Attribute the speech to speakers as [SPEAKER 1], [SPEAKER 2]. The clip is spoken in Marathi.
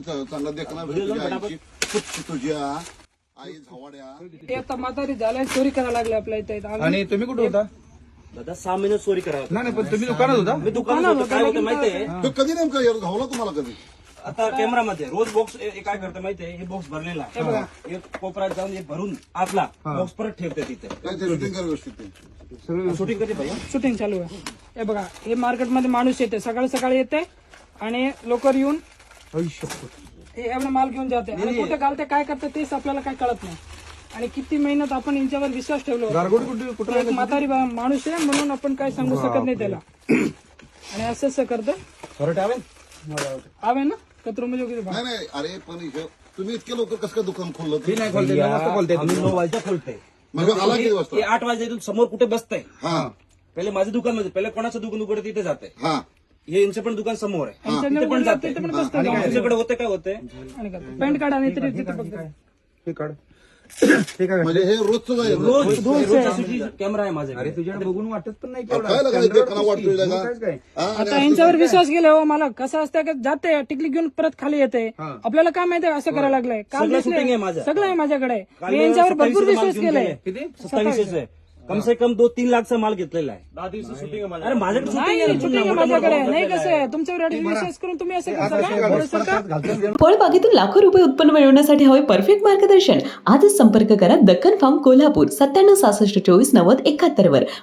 [SPEAKER 1] चांगला देखना भेटतो तुझ्या आई झवाड्या
[SPEAKER 2] ते आता म्हातारी झाल्या चोरी करायला लागले आपल्या इथे
[SPEAKER 3] आणि तुम्ही कुठे होता?
[SPEAKER 4] दादा 6 महिने चोरी करा.
[SPEAKER 3] नाही पण तुम्ही दुकानात होता?
[SPEAKER 4] मी दुकानात होतो. काय होतं माहितीये,
[SPEAKER 1] तो कधी नेमकं धावला तुम्हाला कधी
[SPEAKER 4] आता कॅमेरामध्ये रोज बॉक्स काय करतं माहितीये, हे बॉक्स भरलेला आहे, एक कोपऱ्यात जाऊन हे भरून आतला बॉक्स परत ठेवते तिथे.
[SPEAKER 1] काय ते शूटिंग कर व्यवस्थित ते.
[SPEAKER 4] शूटिंग कधी भैया?
[SPEAKER 2] शूटिंग चालू आहे. हे बघा, हे मार्केटमध्ये माणूस येते, सकाळी सकाळी येते आणि लोकर येऊन हे एवढा माल घेऊन जाते आणि कुठे घालते काय करते तेच आपल्याला काय कळत नाही. आणि किती मेहनत आपण यांच्यावर विश्वास ठेवलो.
[SPEAKER 3] गारगोटी कुठे
[SPEAKER 2] एक म्हातारी माणूस आहे म्हणून आपण काय सांगू शकत नाही त्याला. आणि असंच करतं
[SPEAKER 4] परत आवे
[SPEAKER 2] आवे ना कचरो म्हणजे वगैरे
[SPEAKER 1] नाही नाही अरे पण तुम्ही इतके लवकर कसं काय दुकान खोललं ते?
[SPEAKER 3] नाही खोलते, मस्त बोलते.
[SPEAKER 4] आम्ही 9 वाजता खोलते.
[SPEAKER 1] मग आला किती वाजता?
[SPEAKER 4] हे 8 वाजता इथून समोर कुठे बसतंय.
[SPEAKER 1] हा
[SPEAKER 4] पहिले माझं दुकान मध्ये, पहिले कोणाचं दुकान उघडतं तिथे जाते.
[SPEAKER 1] हा
[SPEAKER 4] हे यांचं पण दुकान समोर आहे,
[SPEAKER 2] त्यांच्याकडे
[SPEAKER 4] तिथे पण जाते.
[SPEAKER 2] तिथे पण बसतं जाऊन.
[SPEAKER 4] तुमच्याकडे होते काय होते,
[SPEAKER 2] आणि करतं. पॅन्ट काढा नाही तरी तिथे बघ.
[SPEAKER 3] हे काढ. हे काय?
[SPEAKER 1] म्हणजे हे रोजचं जाईल
[SPEAKER 4] रोज कॅमेरा आहे माझ्याकडे.
[SPEAKER 3] अरे तुझ्याकडे बघून वाटत पण नाही
[SPEAKER 1] काय लागलं देखना वाटतोय का
[SPEAKER 3] काय?
[SPEAKER 1] हा, आणि
[SPEAKER 2] आता यांच्यावर विश्वास केला मला कसं असतं की जाते टिकली घेऊन परत खाली येते. आपल्याला काय माहिती आहे असं करायला लागलंय. काल
[SPEAKER 4] सगळं
[SPEAKER 2] दिसलंय.
[SPEAKER 4] shooting आहे माझं.
[SPEAKER 2] सगळं आहे माझ्याकडे.
[SPEAKER 4] काल
[SPEAKER 2] मी यांच्यावर
[SPEAKER 4] 27
[SPEAKER 2] भरपूर
[SPEAKER 4] माल
[SPEAKER 2] विश्वास
[SPEAKER 4] घेऊन
[SPEAKER 2] केलाय.
[SPEAKER 4] गेले.
[SPEAKER 3] किती?
[SPEAKER 4] 27 आहे. कम से कम 2-3 लाखचा माल घेतलेला आहे. 10 दिवस शूटिंग आहे माझ्या. अरे माझ्याकडे shooting आहे.
[SPEAKER 2] शूटिंग आहे माझ्याकडे. नाही कसं आहे तुमच्यावर एवढा विश्वास करून तुम्ही असं करता का? थोडंसं का?
[SPEAKER 5] फळबागेतून लाखो रुपये उत्पन्न मिळवण्यासाठी हवे परफेक्ट मार्गदर्शन. आजच संपर्क करा दक्कन फार्म कोल्हापूर 9766249071 वर.